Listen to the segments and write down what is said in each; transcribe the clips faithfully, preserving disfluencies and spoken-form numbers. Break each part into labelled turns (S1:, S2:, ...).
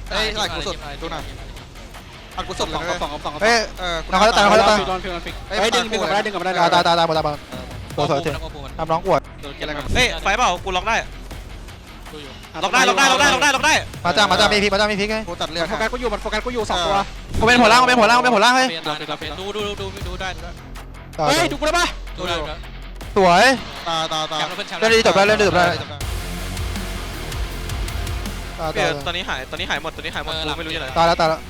S1: เอ้ยไหลกูสุดดูหน่อยอัดกูสุดเลย
S2: สองสอง
S3: เฮ้ย
S1: เออ
S3: น้องเขาจะตายน้องเขาจะตาย
S2: โดนฟิลโดนฟิกเฮ้ยดึงดึงกลับมาได้ดึงกลับมาได้
S3: ตายตายตายตายหมดตายหมดตัวสวยถึงทำน้องปวด
S1: อะไรกัน
S4: เฮ้ยไฟเปล่ากูล็อกได้ล็อกได้ล็อกได้ล็อกได้ล็อกได้ล็อกได้
S3: มาจ้ามาจ้ามีพิกมาจ้ามีพิกไง
S1: กูตัดเลือด
S2: โฟกัสกูอยู่มันโฟกัสกูอยู่สองตัว
S3: กูเป็นหัวล่างกูเป็นหัวล่างกูเป็นหัวล่างเฮ้ย
S4: ดูดูดูดูได้ดูได้
S2: เฮ้ยดูกูได้ปะ
S4: ดูได้
S3: สวย
S1: ตาตาตา
S3: เล่นดีจบได้เล่นดีจบได้ตาย
S4: เปลี่
S3: ตาย
S4: ยนตอนนี้หายตอนนี้หายหมดตอนนี้หายหมดกูไม่รู้ยังไง
S3: ตายแล้วตายแล้ว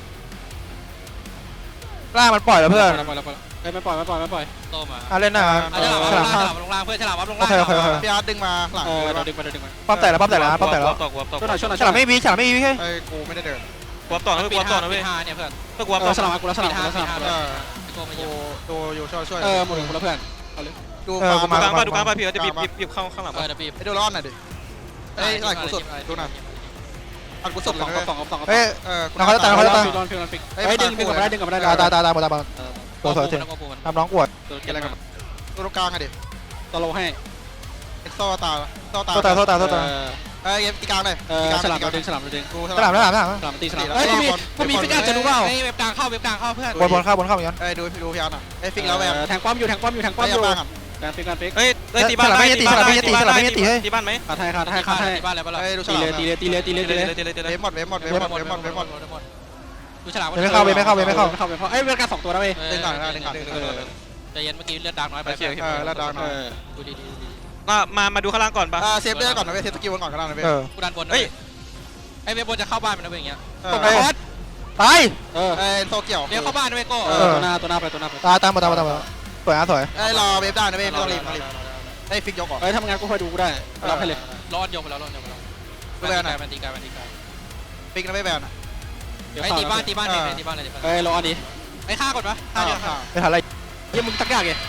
S3: ล่างมันปล่อยแล้วเพื่อน
S2: ปล่อยแล้วปล่อยแล้วเฮ้ยไม่ปล่อยไม่ปล่อยไม่ปล่อย
S4: โตมา
S3: อ่ะเล่นหน้า
S4: ฉลาม
S3: ฉลาม
S4: ฉลามลงล่างเพื่อนฉลามวับลง
S3: โอ
S4: ล่าง
S3: เคโอเคโอเค
S1: พี่อาร์ตดึงมาหลัง
S2: เออ
S1: เลย
S2: เรา
S1: ปะ
S2: ดึงไปดึงไป
S3: ปั๊มแต่แล้วปั๊มแต่แล้วปั๊มแต่แล้ว
S4: ตกวับตก
S2: ช่วยหน่อยช่วยหน่อย
S3: ฉลามไม่มีฉลามไม่มีพี่
S1: เอ้ยกูไม่ได้เดิน
S4: วับต่อนะเว้ยวับต่อนะเว้ย
S5: เนี่ยเพื่อน
S4: เพื่อวับ
S2: เอ
S4: ต่
S2: อ
S4: อ
S2: สลับกูแล้วสลับกูแล้วสลับ
S1: เออ
S5: โกมาเย
S1: กู
S5: อะ
S1: ดูอยู่ช่วยช่วย
S2: เออหมดกูแล้วเพื่อน
S1: ดู
S4: ดูกลางป่ะดูกลางป่ะพี่จะบีบบีบบีบเข้าข้างหลัง
S5: เออเดี๋ยวบีบ
S1: ไอ้ดูร้อนหน่อยดิเอ้ยไหลกูสุดดูหน่อยอัดกูสุด
S2: ส
S1: เล
S2: อง
S1: ย
S2: สองสอง
S3: เฮ้ย
S1: เออ
S3: น้องเขาจะตายน้องเขาจะตาย
S2: ฟิลโดนฟิลโดนฟิกเฮ้ยดึงดึงกลับมาได้ดึงกลับมาได้
S3: ตายตายตายตายหมดตายหมดตัวสวยถึง
S5: แล้วก็ปูน
S3: ทำน้องปวด
S1: อะไรกันตัวตรงกลางอะดิ
S2: ตโลให้
S1: เอ็กโซตาโซตา
S3: โทษตายโทษตายโทษตาย
S1: เอ้ยตีกลางเลย
S2: เออฉลามเราดึงฉลามเราดึง
S1: กู
S3: ฉลามฉลามฉลาม
S2: ฉลามตีฉลามเฮ้ยกูมีกูมีฟิกอาจจะรู้เปล่า
S5: เฮ้ยเว็บกลางเข้าเว็บกลางเข้าเพื่อน
S3: บนบนเข้าบนเข้าเหมือนกัน
S1: เอ้ยดูดูพี่อาร์ตอ่ะเอ้ยฟิกแล้วแวม
S2: แทงป้อมอยู่แทงป้อมอยู่แทงป้อมอยู่
S1: ไม่ยาบ้างอ่ะ
S2: แทงฟิกกันฟิก
S4: เฮ้ยเฮ้ยตีบ้านตีบ้านตีบ้านตีบ้านไหม
S2: ขาดให้ขาดให้ขาดให้
S5: บ้านอะไรบ้านอะไร
S1: เอ้ยดูฉ
S2: ตี
S1: ลาม
S2: เลยตีเลยตีเลยตีเลยตีเลย
S4: ตีเลยตีเล
S1: เวย ฟหมดเวฟหมดเวฟหมดเวฟหมดเวฟหมดเวฟหมด
S5: ดูฉลาม
S3: ไม่เข้าไม่เข้าไม่เข้า
S2: ไม่เข้าไม่เข้าเอ้ยเวลาสองตัวนะเว้ย
S1: ดึงก่อนนะดึงก่อนดึงก่อน
S5: ใจเย็นเมื่อกี้เลือดดังน้อยไป
S1: เออแล้วดาวหน่อย
S5: ดูดีดีดี
S4: มามามาดูข้างล่างก่อนป่ะ
S1: อ่าเซฟเลือดก่อนนะเว้ยเซฟสกิลก่อนก็ได้นะเว้ย
S3: เออ
S5: กูดันบน
S4: เฮ้ย
S5: ไอ้เว็บบนจะเข้าบ้านมันนะเว้ยอย่างเงี้ย
S1: ตก
S3: ไปตาย
S2: เออ
S1: เอ้ยโซเกี่ยว
S5: เดี๋ยวเข้าบ้านนะเว้ยโก้
S2: เออตัวหน้าตัวหน้าไปตัวหน้าไป
S3: ตายตายหมดตายหมดตายหมดสวยอ่ะสวย
S1: เอ้ยรอเวฟได้นะเว้ยไม่ต้องรีบไม่ต้องรีบเอ้ยฟิกยกก่อน
S2: เอ้ยทำงานกูคอยดูกูได้รับให้เลย
S5: รอดยกไปแล้วรอดยกไปแล้วมันตีกายมันตีกาย
S1: ฟิกนะไม่แบนอ่ะ
S5: ไอ้ตีบ้านตีบ้านเนี่ยตีบ้านเลยตีบ้าน
S2: เอ้ยรออันนี้
S5: ไอ้ฆ่าก่อนปะฆ่า
S1: ข้าว
S5: เดียว
S1: ข้าว
S3: ไม่ทันอะไร
S2: ยังมึงตักยากไง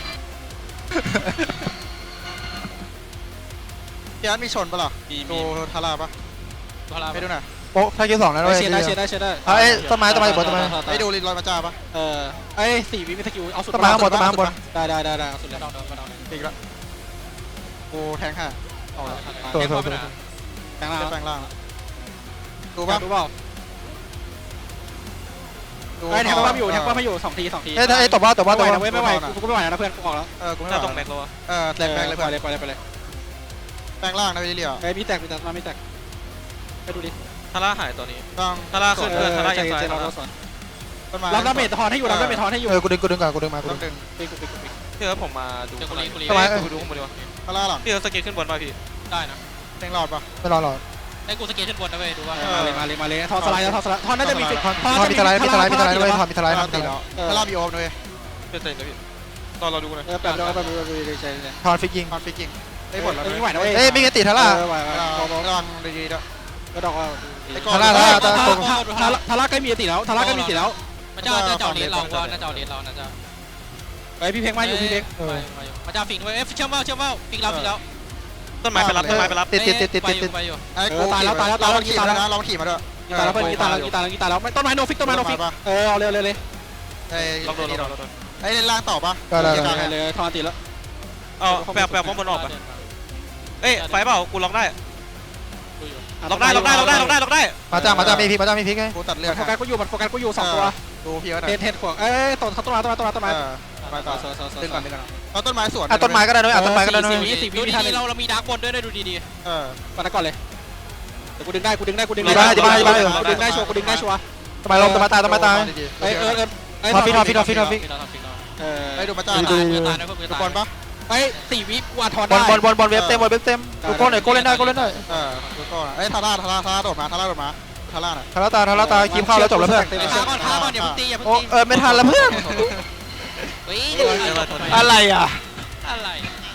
S1: พี่อาร์ตมีชนปะล่ะดูทาร่าปะ
S5: ตัวเรา
S1: ไปดูหน่อย
S3: โป๊ะถ้าคิวสองแล้ว
S2: เอ้
S3: เว้
S2: ย
S3: ย
S2: เชียร์ได้เชียร์ได้เชียร์ได้
S3: เอ้ยต้นไม้ต้นไม้อยู่บนต้นไม้
S1: ไปดูลินลอยมาจ้าปะ
S2: เออเอ้ยสี่วิมีสกิลเอาสุด
S3: ต้นไม้ข้างบนต้นไม้ข้างบน
S2: ได้ได้ได้ได้เอาสุดแล้ว
S5: ดองดองดอง
S1: ฟิกละกูแทงค่ะเอา
S3: สวยสวยสวย
S2: แทงล่าง
S1: แปลงล่างละดู
S2: ปะ
S1: ปะ
S2: ดูเปล่าเอ้ยแทงป้อมอยู่แทงป้อมไม่อยู่สองทีสองที
S3: เอ้ยไอ้ตบว่าตบว่าต
S2: ไม่
S3: บ
S2: ไหว
S3: ว่า
S2: นะเว้ยไม่ไหวกูกูไม่ไหวนะเพื่อนกูออกแล้ว
S1: เออกูไม่
S4: หน้า
S1: ไหว
S4: ตรงแม็กแล้ววะ
S1: เออแตกแปลงเลย
S2: ไป
S1: เพื่อน
S2: เลยไปเลยไปเลย
S1: แปลงล่างนะวิลเลีย
S2: เอ้ยมีแตกมีแตกมามีแตกไปดูดิ
S4: ทาร่าหายตัวนี้
S1: ต้อง
S4: ทาร่าขึ้น
S2: เอ
S4: เพื่อน
S2: อ
S4: ทาร่า
S2: ใจ
S4: ยัง
S2: เย็น
S4: ซ้าย
S2: ใจเราสอน
S1: ต้นไม้
S2: รับดาเมจทอนให้อยู่รับดาเมจทอนให้อยู่
S3: เออกูดึงกูดึงก่อนกูดึงมากู
S1: ต้
S3: ดึ
S1: อง งดึง
S2: ปิ๊กปิ๊กปิ๊ก
S4: พี่เอิร์ธผมมาดู
S5: เดี๋ยว
S4: ข้า
S5: กู
S4: ง
S5: รี
S4: ล่าง
S5: กูรี
S4: ดูข้างบนดีกว่า
S1: ทาร่าหลัง
S4: พี่เอิร์ธสเก็ตขึ้นบนป่ะพี่
S5: ได้นะ
S1: แทงหลอดปะ
S3: ไม่รอหรอก
S5: ไอ้กูสเก็ตขึ้นบนนะเว้ยดูว่า
S2: มาเลยมาเลยมาเลยทอนสไลด์แล้วทอนสไลด์ทอนน่าจะมีฟิก
S3: ทอนทอนมีสไลด์มีสไลด์มีสไลด์ด้วยทอนมีสไลด์
S1: ทาร่าตีแล้วทาร่าบีโอมเลย
S4: เพื่อนเต็มเลยพี่ตอนเราดูนะ
S2: เออแป๊บเดียวแป๊บเดียวดูดีใจเลย
S3: ทอนฟิกยิง
S1: ทอนฟิกกิ้งได้ผลแล้ว
S2: ไม่ไหวนะเว้ย
S3: เอ้ยไม่กติทาร่า
S2: เออไหวไหว
S1: ระวังดีๆด้วย
S2: ก็ดอกว่า
S3: ทาร่าทาร่าทาร่า
S2: ทาร่าทาร่าใกล้มีอติแล้วทาร่าใกล้มีอติแล้ว
S5: มันจะจะเจ้าเลนเราว่าน่าจะเลนเราน่าจะ
S2: เฮ้ยพี่เพ็งมาอยู่พี่เพ็ง
S5: มันจะฟิกด้วยเอ้ยเชื่อมว่าเชื่อมว่าฟิกเราฟิกแล้ว
S4: ต้นไม้ไปรับต้นไม้ไปรับ
S3: ติดติดติดติดติดติด
S5: ไปอยู่
S1: ไอ้กูขี่มาแล้วนะลองขี่มาด้วย
S2: กีตาร์แล้วเพื่อนกีตาร์แล้วกีตาร์แล้วกีตาร์แล้วไม่ต้นไม้โนฟิกต้นไม้โนฟิกเออเอาเร็วเร็วเลย
S1: ไอ้
S4: เราโดนเราโดนเราโดน
S1: ไอ้เล่นล่างต่อปะ
S2: เลยทอนติแล้ว
S4: เอาแปลแปลป้อมบนออกป่ะเอ้ยไฟเปล่ากูล็อกได้ล็อกได้ล็อกได้ล็อกได้ล็อกได้ล็อกได้
S3: มาจ้ามาจ้ามีพิกมาจ้ามีพิกไง
S1: กูตัดเลือด
S2: โฟกัสก็อยู่มันโฟกัสก็อยู่สองตัว
S1: ดูพี่ว่า
S2: เทนเทนขวางเอ้ยต้นต้นไม้ต้นไม้ต้นไม้ต้นไม้
S1: ไม้ต่อดึงก่อนดึงก่อนเอาต้นไม้สวน
S3: อ่ะต้นไม้ก็ได้ด้วยอ่ะต้นไม้ก็ได้ด้วย
S5: ดูดีๆเราเรามีดาร์กบนด้วยดูดี
S1: เออ
S2: ปัดก่อนเลยแต่กูดึงได้กูดึงได้กูดึง
S3: ดีบ้าดีบ้าดีบ้า
S2: กูดึงได้ชัวร์กูดึงได้ชัวร์
S3: ต้นไม้ลมต้นไม้ตายต้นไม้ตาย
S2: เอ้ยเออเออ
S3: ทอนฟิกทอนฟิกทอนฟิกทอนฟิก
S2: เออ
S1: ไอ้ดูมาจ้า
S5: ตายเพื่อตายนะเพื่อ
S1: ดู
S5: ตาย
S1: บอลปะ
S2: เอ้ยสี่วิกูทอน
S3: บ
S2: ได้
S3: อลบอลบอลบอลเว็บเต็มบอลเว็บเต็มกูโก้หน่อยโก้เล่นได้โก้เล่นได้
S1: เออดูก่อนไอ้ทาร่าทาร่าทาร่าโดดมาทาร่าโดดมาทาร่าน่ะ
S3: ทาราตาทาราตาคีบเข้าแล้วจบแล้วเพื่อน
S5: ท้าก่อนท้าก่อนอย่าเพิ่งตีอย่าเพิ่ง
S3: โอ้
S5: ตี
S3: เออไม่ทันแล้วเพื่อน
S5: เฮ้ย
S3: อะไรอ่ะ
S5: อะไร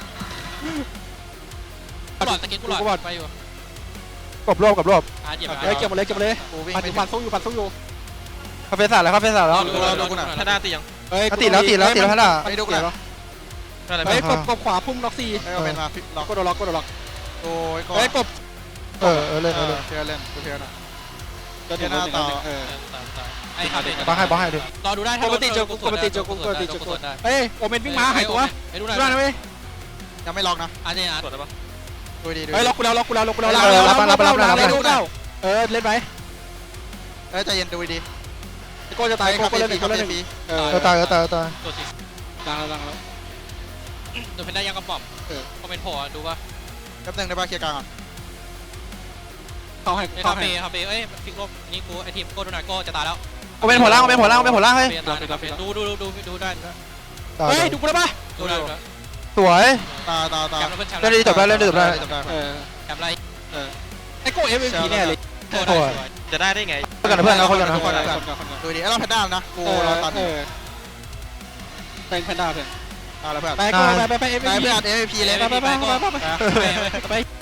S5: กูหลอดสเก็ตกูหลอดไปอยู่
S3: กบรวบกบรวบ
S5: อ่ะเหยียบ
S2: เอ้ยเก็บหมดเลยเก็บหมดเลย
S1: กูวิ่ง
S2: ปัน
S1: ไป
S2: ปันสู้อยู่ปันสู้อยู่
S3: คาเฟ่สาดแล้วคาเฟ่สาดแล้ว
S4: ถ้าหน้าตียัง
S2: เอ้ย
S3: ติดแล้วติดแล้วติดแล้วฮะล่ะ
S1: ไอ้ดูกัน
S4: อะไร
S2: เฮ้ยกบกบขวาพุ่มล็อกสี่
S1: ไอ้เอาเป็นมาฟิกล็อก
S2: กดล็อกกดล็อก
S1: โอ้ยก่อน
S2: เฮ้ยกบ
S3: เออเออเล่น
S1: เอ
S3: เออ
S1: อ
S3: เล่น
S1: เชียร์เล่นกูเชียร์นะ
S2: ก็ถึงแล้วถึงแล้วเออ
S5: ไอ้ขาดเลย
S3: บ้าให้บ้าให้ดิ
S5: รอดูได้
S2: ปกติเจอปกติเจอปกติเจอเฮ้ยโอเมนวิ่งมาหายตัว
S5: ไอ้ดู
S2: ดู
S5: ได้
S2: ได้นะเว้ย
S1: ยังไม่ล็อกนะ
S5: อันนี้อ่ะ
S4: ตรวจได้ปะ
S1: ดูดีดู
S2: เฮ้ยล็อกกูแล้วล็อกกูแล้วล็อกกูแล้วเออเล่นไป
S1: ไอ้ฮ้ยใจเย็นดูดี
S2: ไอ้โก้จะตายโก้
S1: คา
S2: โก้
S1: เฟ่
S2: เล่นห
S1: ฟรี
S2: นึ่งโก้
S1: คา
S2: เล่น
S1: เฟ่
S2: หนึ่ง
S1: ฟรี
S2: เออ
S3: เออตายเออตายเออตาย
S5: ตัวสี
S2: ดังแล้วดังแล้ว
S5: ตัวเพนด้ายังกระป๋อม
S2: เออ
S5: คอมเมนต์โผล่ดูป่ะ
S1: แป๊บนึงได้ป่ะเคลียร์กลางก่อน
S2: เข้าให้
S5: ไอ้
S2: เข้า
S5: คา
S2: ให้
S5: เฟ่คาเฟ่เอ้ยฟิกลบนี่กูไอทีมโก้ดูหน่อยโก้จะตายแล้ว
S3: เอาเป็นหัวล่างเอาเป็นหัวล่างเอาเป็นหัวล่างเฮ้ย
S5: ดูดูดูดูดูได้
S3: ตาย
S2: เฮ้ยดูกูได้ปะ
S5: ดูได้
S3: สวย
S1: ตาตาตา
S5: แชมป์แล้วเพื่อนแชมป์
S3: เล่นดีจบได้เล่นดีจบได้
S1: จบได้
S2: เออ
S5: แชมป์ไร
S2: ไอ้โก้เอฟเอ็มพีแน่เลย
S5: โก้ได้สวย
S4: จะได้ได้ไง
S3: เพื่อนกันนะเพื่อนเราคนกันนะ
S2: คนกันคนกันคนกัน
S1: ดูดีไอ้เราแพนด้านะกู
S2: เออ
S1: เราตัด
S2: เออเป็นแพนด้าเพื่อน
S1: เอาละเพื่อน
S2: ไปโก้ไปไปไปเอฟเอ็
S1: นาย
S2: มพี
S1: เพื่อน เอ็ม วี พีเลย
S2: ไปไปไปไปไปไป